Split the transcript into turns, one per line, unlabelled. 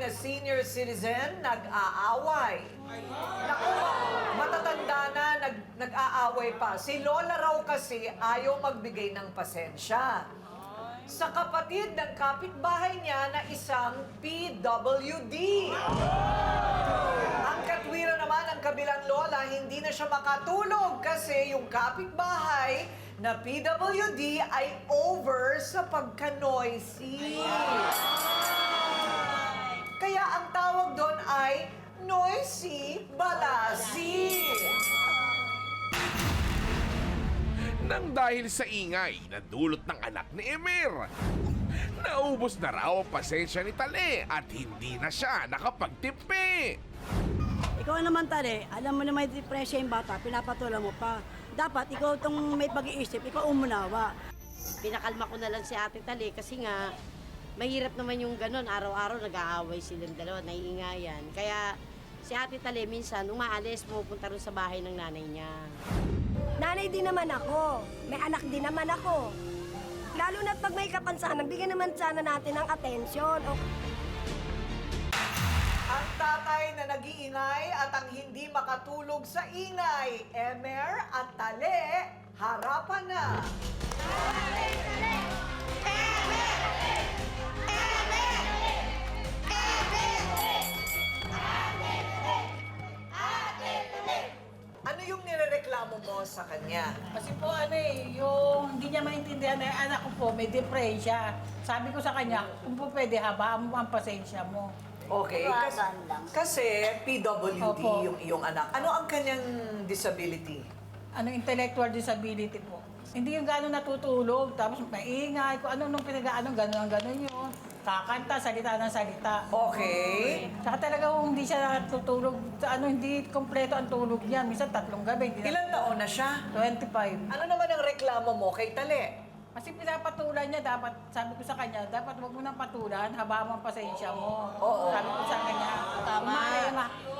na senior citizen nag-aaway. Naku, matatanda na nag-aaway pa. Si Lola raw kasi ayaw magbigay ng pasensya sa kapatid ng kapitbahay niya na isang PWD. Ang katwira naman ng kabilang lola, hindi na siya makatulog kasi yung kapitbahay na PWD ay over sa pagka-noisy. Kaya ang tawag doon ay noisy balasi.
Nang dahil sa ingay na dulot ng anak ni Emir, naubos na raw ang pasensya ni Tale at hindi na siya nakapagtimpi.
Ikaw naman, Tale, alam mo na may depresya yung bata, pinapatulan mo pa. Dapat ikaw itong may pag-iisip, ikaw umunawa.
Pinakalma ko na lang si Ate Tale kasi nga mahirap naman yung ganun. Araw-araw nag-aaway silang dalawa, naiingayan. Kaya si Ate Tale minsan, umaalis, pupunta rin sa bahay ng nanay niya.
Nanay din naman ako. May anak din naman ako. Lalo na't pag may kapansanan, bigyan naman sana natin ng atensyon.
Ang tatay na nag-iingay at ang hindi makatulog sa ingay, Emer at Tale, harapan na. Ano yung nirereklamo mo sa kanya?
Kasi po yung hindi niya maintindihan na yung anak ko po may depresya. Sabi ko sa kanya, kung po pwede habaan mo ang pasensya mo.
Okay, kasi PWD
Opo.
yung iyong anak. Ano ang kanyang disability?
Intellectual disability po. Hindi yung gano'n natutulog, tapos maingay, kung ano nung pinag-ano, gano'n yun. Kakanta, salita ng salita.
Okay.
Saka talaga kung hindi siya natutulog, hindi kompleto ang tulog niya. Minsan 3 gabi. Hindi
Ilang taon na siya?
25.
Ano naman ang reklamo mo kay Tale?
Kasi pinapatulan niya, sabi ko sa kanya, dapat wag mo nang patulan, habang ang pasensya mo.
Oo.
Sabi ko sa kanya, tama.